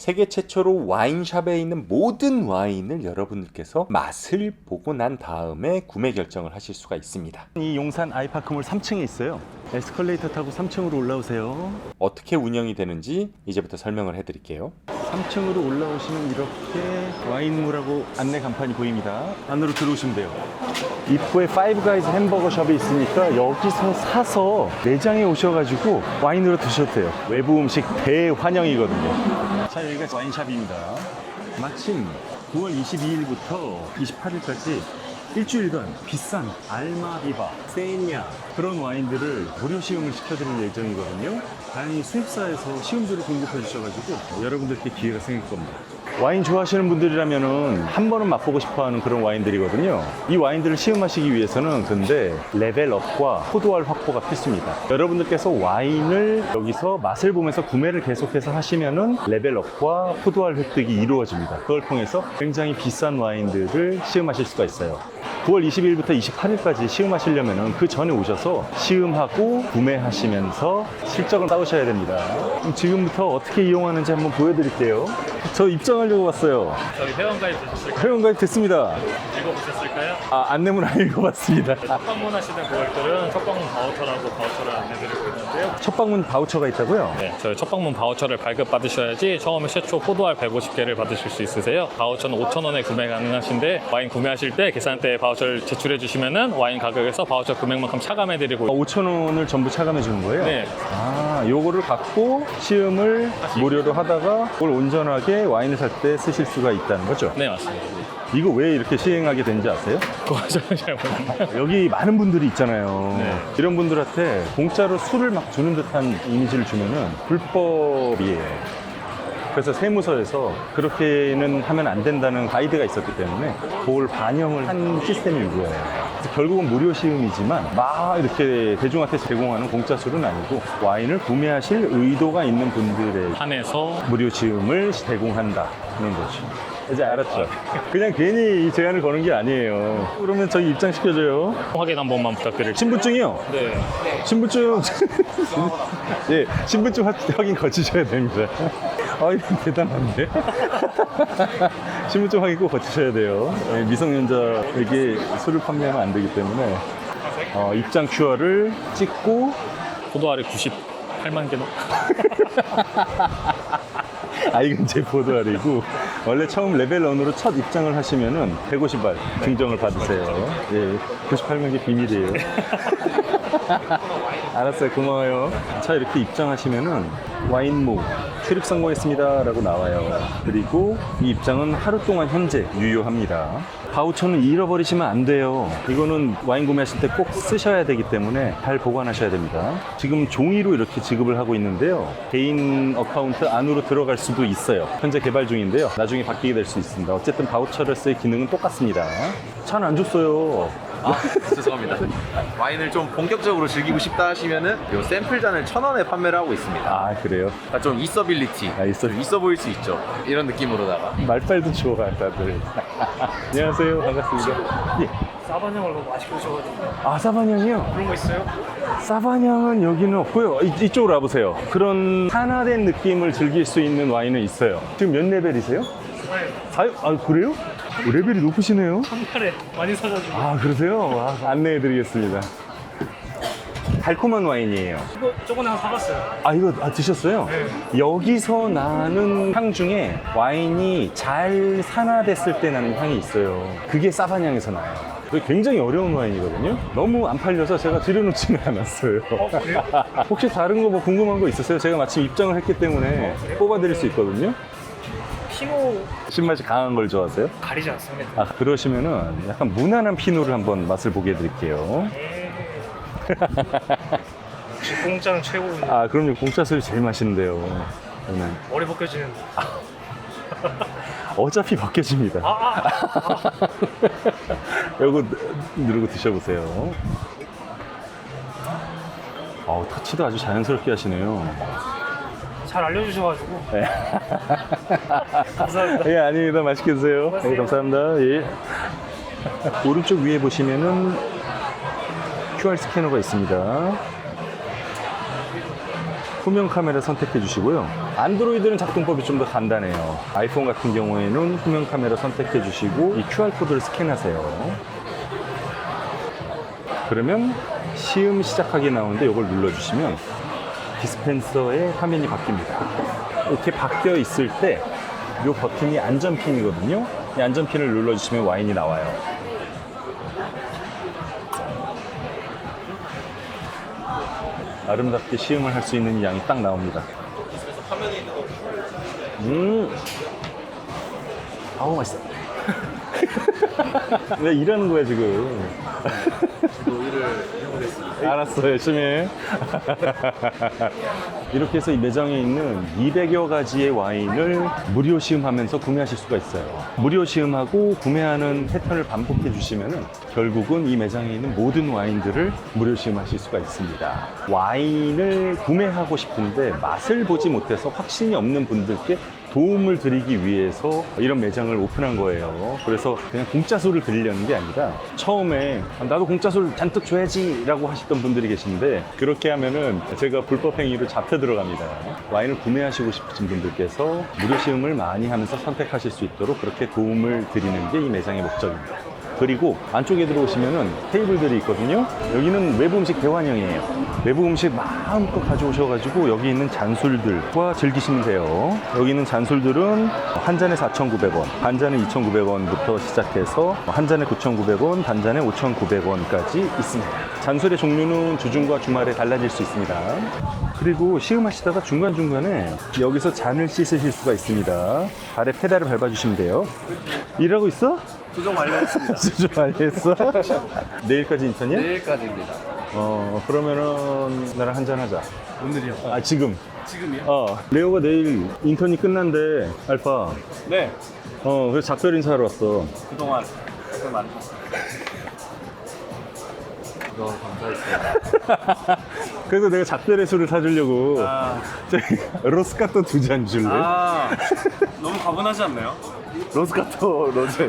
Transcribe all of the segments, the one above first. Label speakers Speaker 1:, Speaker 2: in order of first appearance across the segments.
Speaker 1: 세계 최초로 와인샵에 있는 모든 와인을 여러분들께서 맛을 보고 난 다음에 구매 결정을 하실 수가 있습니다.
Speaker 2: 이 용산 아이파크몰 3층에 있어요. 에스컬레이터 타고 3층으로 올라오세요.
Speaker 1: 어떻게 운영이 되는지 이제부터 설명을 해드릴게요.
Speaker 2: 3층으로 올라오시면 이렇게 와인몰하고 안내 간판이 보입니다. 안으로 들어오시면 돼요. 입구에 파이브 가이즈 햄버거 숍이 있으니까 여기서 사서 매장에 오셔가지고 와인으로 드셔도 돼요. 외부 음식 대환영이거든요. 자, 여기가 와인샵입니다. 마침 9월 22일부터 28일까지 일주일간 비싼 알마비바, 세냐 그런 와인들을 무료 시음을 시켜드릴 예정이거든요. 다행히 수입사에서 시음주를 공급해 주셔가지고 여러분들께 기회가 생길 겁니다. 와인 좋아하시는 분들이라면은 한 번은 맛보고 싶어하는 그런 와인들이거든요. 이 와인들을 시음하시기 위해서는 근데 레벨업과 포도알 확보가 필수입니다. 여러분들께서 와인을 여기서 맛을 보면서 구매를 계속해서 하시면은 레벨업과 포도알 획득이 이루어집니다. 그걸 통해서 굉장히 비싼 와인들을 시음하실 수가 있어요. 9월 20일부터 28일까지 시음하시려면 그 전에 오셔서 시음하고 구매하시면서 실적을 쌓으셔야 됩니다. 그럼 지금부터 어떻게 이용하는지 한번 보여드릴게요. 저 입장하려고 왔어요.
Speaker 3: 저희 회원가입 되셨을까요?
Speaker 2: 회원가입 됐습니다.
Speaker 3: 읽어보셨을까요?
Speaker 2: 안내문 안 읽어봤습니다.
Speaker 3: 첫 방문하시는 고객들은 첫 방문 바우처라고 바우처를 안내드리고 있는데요.
Speaker 2: 첫 방문 바우처가 있다고요?
Speaker 3: 네, 저희 첫 방문 바우처를 발급받으셔야지 처음에 최초 포도알 150개를 받으실 수 있으세요. 바우처는 5,000원에 구매 가능하신데 와인 구매하실 때 계산대에 바우처를 제출해 주시면은 와인 가격에서 바우처 금액만큼 차감해드리고
Speaker 2: 5,000원을 전부 차감해 주는 거예요?
Speaker 3: 네.
Speaker 2: 요거를 갖고 시음을 무료로 하다가 그걸 온전하게 와인을 살 때 쓰실 수가 있다는 거죠?
Speaker 3: 네, 맞습니다.
Speaker 2: 이거 왜 이렇게 시행하게 된지 아세요?
Speaker 3: 그거 잘 모르겠네요.
Speaker 2: 여기 많은 분들이 있잖아요.
Speaker 3: 네.
Speaker 2: 이런 분들한테 공짜로 술을 막 주는 듯한 이미지를 주면은 불법이에요. 그래서 세무서에서 그렇게는 하면 안 된다는 가이드가 있었기 때문에 그걸 반영을 한 시스템인 거예요. 그래서 결국은 무료 시음이지만 막 이렇게 대중한테 제공하는 공짜 술은 아니고 와인을 구매하실 의도가 있는 분들에게
Speaker 3: 한해서
Speaker 2: 무료 시음을 제공한다는 거죠. 이제 알았죠? 그냥 괜히 이 제안을 거는 게 아니에요. 그러면 저희 입장시켜줘요.
Speaker 3: 확인 한 번만 부탁드릴게요.
Speaker 2: 신분증이요?
Speaker 3: 네.
Speaker 2: 신분증 예, 신분증 확인 거치셔야 됩니다. 이거 대단한데? 신분증 확인 꼭 거치셔야 돼요. 예, 미성년자에게 술을 판매하면 안 되기 때문에 입장 QR을 찍고
Speaker 3: 포도알이 98만 개 넣.
Speaker 2: 이건 제 포도알이고 원래 처음 레벨 1으로 첫 입장을 하시면은 150알 증정을 받으세요. 예, 98만 개 비밀이에요. 알았어요. 고마워요. 자, 이렇게 입장하시면은 와인모 출입 성공했습니다 라고 나와요. 그리고 이 입장은 하루 동안 현재 유효합니다. 바우처는 잃어버리시면 안 돼요. 이거는 와인 구매하실 때 꼭 쓰셔야 되기 때문에 잘 보관하셔야 됩니다. 지금 종이로 이렇게 지급을 하고 있는데요. 개인 어카운트 안으로 들어갈 수도 있어요. 현재 개발 중인데요. 나중에 바뀌게 될 수 있습니다. 어쨌든 바우처를 쓸 기능은 똑같습니다. 차는 안 줬어요.
Speaker 4: 죄송합니다. 와인을 좀 본격적으로 즐기고 싶다 하시면은 요 샘플잔을 1,000원에 판매를 하고 있습니다.
Speaker 2: 그래요?
Speaker 4: 그러니까 좀 있어빌리티, 좀 있어 보일 수 있죠. 이런 느낌으로다가.
Speaker 2: 말빨도 좋아, 다들. 안녕하세요. 반갑습니다. 예.
Speaker 3: 사바냥을 너무 맛있게 드셔가지고.
Speaker 2: 사바냥이요?
Speaker 3: 그런 거 있어요?
Speaker 2: 사바냥은 여기는 없고요. 이쪽으로 와보세요. 그런 산화된 느낌을 즐길 수 있는 와인은 있어요. 지금 몇 레벨이세요? 4요? 그래요? 레벨이 높으시네요.
Speaker 3: 한 달에 많이 사가지고.
Speaker 2: 그러세요? 안내해드리겠습니다. 달콤한 와인이에요.
Speaker 3: 이거 저번에 하나 사갔어요.
Speaker 2: 이거 드셨어요?
Speaker 3: 네.
Speaker 2: 여기서 나는 향 중에 와인이 잘 산화됐을 때 나는 향이 있어요. 그게 사바냥에서 나요. 굉장히 어려운 와인이거든요. 너무 안 팔려서 제가 들여놓지는 않았어요.
Speaker 3: 그래요?
Speaker 2: 혹시 다른 거 뭐 궁금한 거 있으세요? 제가 마침 입장을 했기 때문에 뽑아드릴 수 있거든요.
Speaker 3: 피노
Speaker 2: 신맛이 강한 걸 좋아하세요?
Speaker 3: 가리지 않습니다.
Speaker 2: 그러시면은 약간 무난한 피노를 한번 맛을 보게 해드릴게요.
Speaker 3: 공짜는 최고군요.
Speaker 2: 그럼요. 공짜 술이 제일 맛있는데요. 저는
Speaker 3: 머리 벗겨지는.
Speaker 2: 어차피 벗겨집니다. 이거 누르고 드셔보세요. 터치도 아주 자연스럽게 하시네요.
Speaker 3: 잘 알려주셔가지고.
Speaker 2: 네.
Speaker 3: 감사합니다.
Speaker 2: 아닙니다. 맛있게 드세요. 감사합니다. 예. 오른쪽 위에 보시면은 QR 스캐너가 있습니다. 후면 카메라 선택해 주시고요. 안드로이드는 작동법이 좀 더 간단해요. 아이폰 같은 경우에는 후면 카메라 선택해 주시고 이 QR코드를 스캔하세요. 그러면 시음 시작하기 나오는데 이걸 눌러주시면 디스펜서의 화면이 바뀝니다. 이렇게 바뀌어 있을 때 이 버튼이 안전핀이거든요. 이 안전핀을 눌러주시면 와인이 나와요. 아름답게 시음을 할 수 있는 양이 딱 나옵니다. 아우 맛있어. 내가 일하는 거야 지금.
Speaker 4: 일을 해보겠습니다.
Speaker 2: 알았어, 열심히 해. 이렇게 해서 이 매장에 있는 200여 가지의 와인을 무료 시음하면서 구매하실 수가 있어요. 무료 시음하고 구매하는 패턴을 반복해 주시면은 결국은 이 매장에 있는 모든 와인들을 무료 시음하실 수가 있습니다. 와인을 구매하고 싶은데 맛을 보지 못해서 확신이 없는 분들께 도움을 드리기 위해서 이런 매장을 오픈한 거예요. 그래서 그냥 공짜 술을 드리려는 게 아니라 처음에 나도 공짜 술 잔뜩 줘야지 라고 하셨던 분들이 계신데 그렇게 하면은 제가 불법 행위로 잡혀 들어갑니다. 와인을 구매하시고 싶으신 분들께서 무료 시음을 많이 하면서 선택하실 수 있도록 그렇게 도움을 드리는 게 이 매장의 목적입니다. 그리고 안쪽에 들어오시면은 테이블들이 있거든요. 여기는 외부 음식 대환영이에요. 외부 음식 마음껏 가져오셔가지고 여기 있는 잔술들과 즐기시면 돼요. 여기 있는 잔술들은 한 잔에 4,900원, 반 잔에 2,900원부터 시작해서 한 잔에 9,900원, 반 잔에 5,900원까지 있습니다. 잔술의 종류는 주중과 주말에 달라질 수 있습니다. 그리고 시음하시다가 중간중간에 여기서 잔을 씻으실 수가 있습니다. 발에 페달을 밟아주시면 돼요. 일하고 있어?
Speaker 4: 수정 완료했습니다.
Speaker 2: 수준 완료했어? 내일까지 인턴이야?
Speaker 4: 내일까지입니다.
Speaker 2: 그러면은 나랑 한잔 하자.
Speaker 4: 오늘이요?
Speaker 2: 아, 지금.
Speaker 4: 지금이요?
Speaker 2: 레오가 내일 인턴이 끝난대, 알파.
Speaker 4: 네.
Speaker 2: 그래서 작별 인사하러 왔어.
Speaker 4: 그동안 고생 많으셨어요. 너무 감사했습니다.
Speaker 2: 그래서 내가 작별의 술을 사주려고. 저기, 로스카토 2잔 줄래?
Speaker 4: 너무 가분하지 않나요? 로스카토 로제요?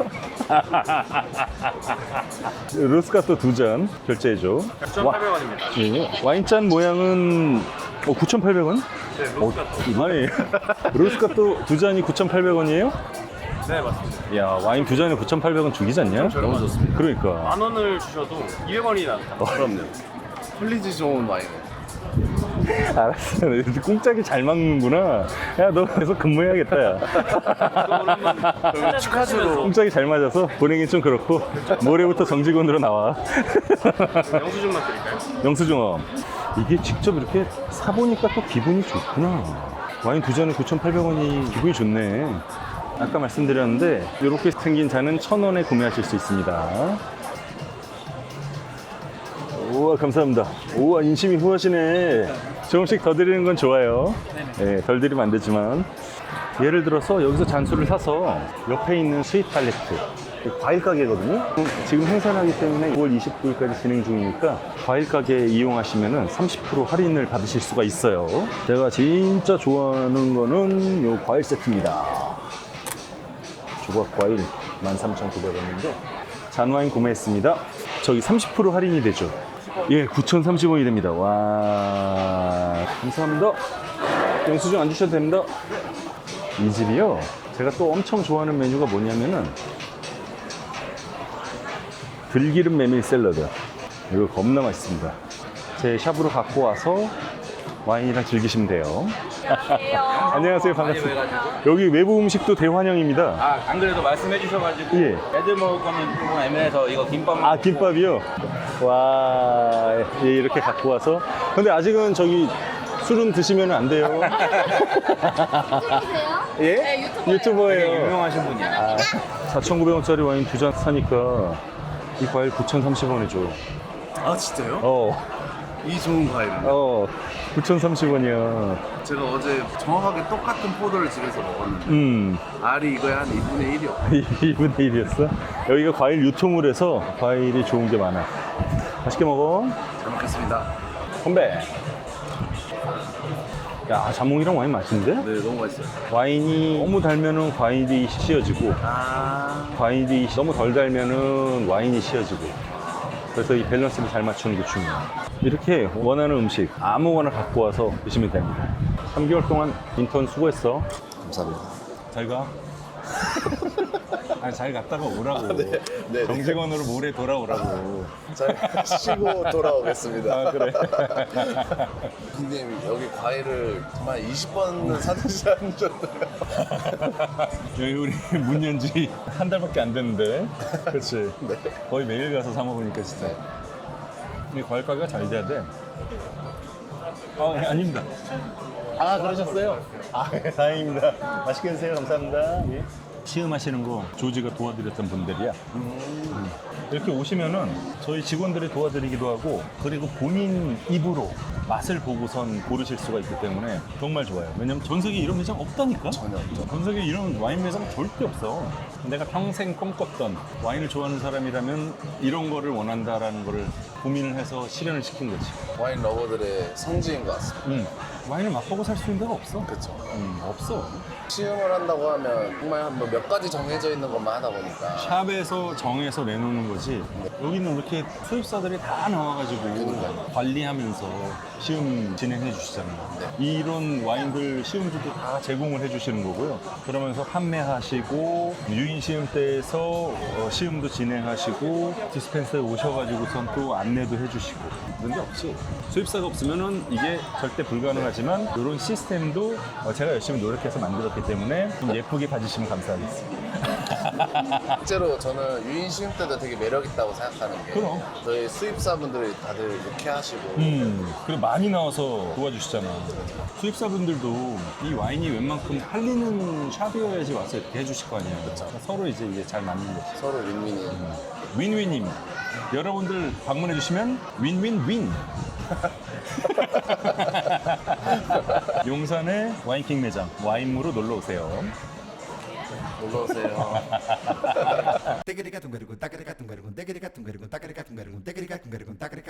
Speaker 2: 로스카토 2잔 결제해줘.
Speaker 4: 9,800원입니다.
Speaker 2: 예. 와인잔 모양은 9,800원?
Speaker 4: 네, 로스카토.
Speaker 2: 이만해. 로스카토 2잔이 9,800원이에요?
Speaker 4: 네, 맞습니다.
Speaker 2: 야, 와인 2잔에 9,800원 죽이지 않냐?
Speaker 4: 너무 좋습니다.
Speaker 2: 그러니까.
Speaker 4: 10,000원을 주셔도 200원이 나온다. 그럼요. 퀄리티 좋은 와인.
Speaker 2: 알았어. 꽁짝이 잘 막는구나. 야, 너 계속 근무해야겠다, 야.
Speaker 4: 축하주로
Speaker 2: 꽁짝이 잘 맞아서 보내긴 좀 그렇고, 모레부터 정직원으로 나와.
Speaker 4: 영수증만 드릴까요?
Speaker 2: 영수증어. 이게 직접 이렇게 사보니까 또 기분이 좋구나. 와인 2잔에 9,800원이 기분이 좋네. 아까 말씀드렸는데, 이렇게 생긴 잔은 1,000원에 구매하실 수 있습니다. 우와, 감사합니다. 우와, 인심이 후하시네. 조금씩 더 드리는 건 좋아요. 네, 덜 드리면 안 되지만. 예를 들어서 여기서 잔술을 사서 옆에 있는 스윗 팔레트, 과일 가게거든요. 지금 행사를 하기 때문에 5월 29일까지 진행 중이니까 과일 가게 이용하시면 30% 할인을 받으실 수가 있어요. 제가 진짜 좋아하는 거는 요 과일 세트입니다. 조각 과일 13,900원인데 잔와인 구매했습니다. 저기 30% 할인이 되죠. 예, 9,030원이 됩니다. 와, 감사합니다. 영수증 안 주셔도 됩니다. 이 집이요, 제가 또 엄청 좋아하는 메뉴가 뭐냐면은 들기름 메밀 샐러드. 이거 겁나 맛있습니다. 제 샵으로 갖고 와서 와인이랑 즐기시면 돼요. 안녕하세요. 반갑습니다. 여기 외부 음식도 대환영입니다.
Speaker 5: 안 그래도 말씀해 주셔가지고
Speaker 2: 예.
Speaker 5: 애들 먹을 거는 조금 애매해서 이거 김밥
Speaker 2: 아, 김밥이요? 와, 예, 이렇게 갖고 와서. 근데 아직은 저기 술은 드시면 안 돼요. 예?
Speaker 6: 네,
Speaker 2: 유튜버예요.
Speaker 5: 유명하신 분이야.
Speaker 2: 4,900원짜리 와인 2잔 사니까 이 과일 9,030원에 줘.
Speaker 4: 아, 진짜요? 이 좋은 과일은?
Speaker 2: 9,030원이야.
Speaker 4: 제가 어제 정확하게 똑같은 포도를 집에서 먹었는데 알이 이거에 한 2분의 1이요.
Speaker 2: 2분의 1이었어? 여기가 과일 유통을 해서 과일이 좋은 게 많아. 맛있게 먹어.
Speaker 4: 잘 먹겠습니다.
Speaker 2: 건배. 야, 자몽이랑 와인 맛있는데?
Speaker 4: 네, 너무 맛있어요.
Speaker 2: 와인이 너무 달면은 과일이 씌어지고, 과일이 너무 덜 달면은 와인이 씌어지고. 그래서 이 밸런스를 잘 맞추는 게 중요해요. 이렇게 원하는 음식 아무거나 갖고 와서 드시면 됩니다. 3개월 동안 인턴 수고했어.
Speaker 6: 감사합니다.
Speaker 2: 잘 가. 아니, 잘 갔다가 오라고.
Speaker 6: 네.
Speaker 2: 정직원으로 모레 돌아오라고.
Speaker 6: 잘 쉬고 돌아오겠습니다.
Speaker 2: 아, 그래.
Speaker 6: 형님 여기 과일을 정말 20번은 사드시는 줄 알아요.
Speaker 2: 여기 우리 문 연 지 한 달밖에 안 됐는데. 그렇지. 거의 매일 가서 사 먹으니까 진짜. 이 과일 가게가 잘 돼야 돼. 아닙니다. 아, 그러셨어요? 아, 다행입니다. 맛있게 드세요. 감사합니다. 예. 시음하시는 거 조지가 도와드렸던 분들이야. 이렇게 오시면은 저희 직원들이 도와드리기도 하고, 그리고 본인 입으로 맛을 보고선 고르실 수가 있기 때문에 정말 좋아요. 왜냐면 전 세계에 이런 매장 없다니까?
Speaker 6: 전혀 없죠.
Speaker 2: 전 세계에 이런 와인 매장 절대 없어. 내가 평생 꿈꿨던 와인을 좋아하는 사람이라면 이런 거를 원한다라는 거를 고민을 해서 실현을 시킨 거지.
Speaker 6: 와인 러버들의 성지인 것 같습니다.
Speaker 2: 와인을 맛보고 살 수 있는 데가 없어.
Speaker 6: 그렇죠.
Speaker 2: 없어.
Speaker 6: 시음을 한다고 하면 정말 한몇 가지 정해져 있는 것만 하다 보니까
Speaker 2: 샵에서 정해서 내놓는 거지. 여기는 이렇게 수입사들이 다 나와가지고 관리하면서 시음 진행해 주시잖아요. 이런 와인들 시음주도 다 제공을 해 주시는 거고요. 그러면서 판매하시고 유인 시음대에서 시음도 진행하시고 디스펜서에 오셔가지고선 또 안내도 해 주시고 그런 게 없지. 수입사가 없으면은 이게 절대 불가능하지만 이런 시스템도 제가 열심히 노력해서 만들었기 때문에 좀 예쁘게 봐주시면 감사하겠습니다.
Speaker 6: 실제로 저는 유인 시음 때도 되게 매력 있다고 생각하는 게
Speaker 2: 그럼.
Speaker 6: 저희 수입사분들이 다들 유쾌하시고
Speaker 2: 그리고 많이 나와서 도와주시잖아. 수입사분들도 이 와인이 웬만큼 팔리는 샵이어야지 와서 이렇게 해주실 거 아니야. 서로 이제 이게 잘 맞는 거지.
Speaker 6: 서로 윈윈이
Speaker 2: 윈윈입니다. 여러분들 방문해 주시면 윈윈윈. 용산의 와인킹 매장 와인무로 놀러 오세요.
Speaker 6: 놀러오세요.
Speaker 7: Tekerika tungarikun, takerika tungarikun, tekerika tungarikun, takerika tungarikun, tekerika tungarikun, takerika